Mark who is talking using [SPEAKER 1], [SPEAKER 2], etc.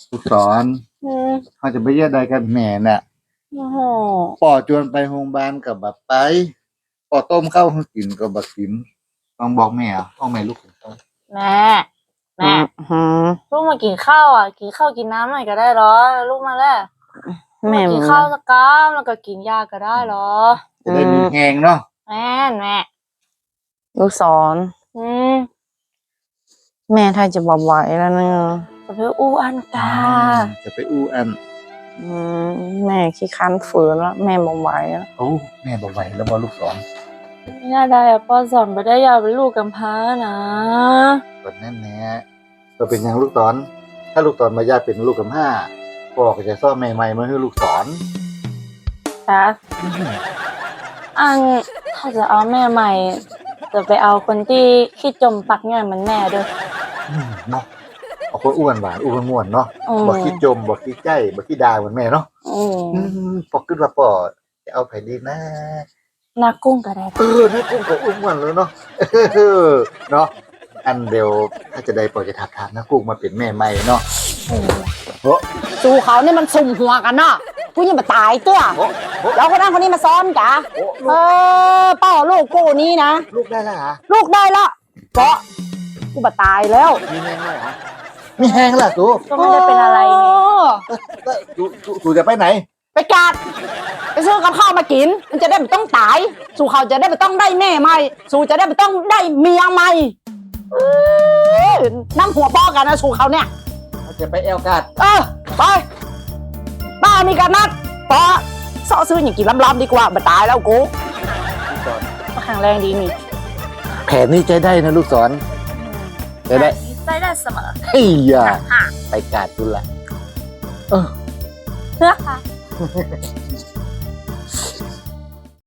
[SPEAKER 1] ลูกศรเขาจะไปเยี่ยใดกันแม่น่ะ
[SPEAKER 2] โอ้โห
[SPEAKER 1] ป่อจวนไปโรงพยาบาลกับแบบไปป่อต้มข้าวให้กินกับแบบกินต้องบอกแม่ต้องแม่ลูกของเขา
[SPEAKER 2] แม่ลูกมากินข้าวอ่ะกินข้าวกินน้ำหน่อยก็ได้หรอลูกมาแล้วแม่กินข้าวสักก้ามแล้วก็กินยาก็ได้หรอ
[SPEAKER 1] จะได้มีแหงเนาะ
[SPEAKER 2] แม่
[SPEAKER 3] ลูกศรแม่ถ้าจะบอกไหวแล้วเนี่ย
[SPEAKER 2] จะไปอู้อันกา
[SPEAKER 1] จะไปอู้อัน
[SPEAKER 3] แม่ขี้คันฝืนแล้วแม่บอกไหวแล้ว
[SPEAKER 1] โอ้แม่บอกไหวแล้วบอลูกศร
[SPEAKER 2] ไม่น่าได้อะพ่อสอนไม่ได้อยากเป็นลูกกำพร้านะ
[SPEAKER 1] แบบนั้นแน่ก็เป็นอย่างลูกศรถ้าลูกศรมาญาติเป็นลูกกำพร้าพ่อก็จะซ่อมใหม่ๆมาให้ลูกศร
[SPEAKER 2] จ้ะอันถ้าจะเอาแม่ใหม่จะไปเอาคนที่ขี้จมปักเงี้ยมันแม่ด้วย
[SPEAKER 1] เนาะเอาคนอ้วนหวานอ้วนม่วนเนาะบอกขี้จมบอกขี้ใจบอกขี้ดาเหมือนแม่เนาะพอขึ้นว่าพ่อจะเอาไผ่ดีนะ
[SPEAKER 2] นากุ้งก็ได้
[SPEAKER 1] นากุ้งก็อ้วนเลยเนาะเนาะอันเดียวถ้าจะได้ปล่อยจะถักทานนากุ้งมาเป็นแม่ใหม่เนาะ
[SPEAKER 3] สู่เขาเนี่ยมันสุ่มหัวกันเนาะผู้ยิ่งมาตายตัวแล้วคนนั้นคนนี้มาซ้อนกะเป้าลูกกูนี่นะ
[SPEAKER 1] ลูกได้แล้วเหรอ
[SPEAKER 3] ลูกได้แล้วเพราะกูมาตายแล้ว
[SPEAKER 1] มีแห้งเลยเหรอมีแห้งล่ะตู
[SPEAKER 2] ก็ไม่ได้เป็นอะไรนี่
[SPEAKER 1] ตูจะไปไหน
[SPEAKER 3] ไปกัดไปซื้อกับข้าวมากินมันจะได้ไม่ต้องตายสู่เขาจะได้ไม่ต้องได้แม่ใหม่สู่จะได้ไม่ต้องได้เมียใหม่น้ำหัวป้อกันนะสู่เขาเนี่ย
[SPEAKER 1] จะไปแอลกัด
[SPEAKER 3] ไปบ้ามีการนัดปอซ่อซื้ออย่างกินล้ำๆดีกว่ามาตายแล้วกู
[SPEAKER 2] แข็งแรงดีนี่
[SPEAKER 1] แผนนี้ใจได้นะลูกศรใจ
[SPEAKER 2] ได้เสมอ
[SPEAKER 1] เฮ้ยไปกัดดูละ
[SPEAKER 2] เพื่อค่ะ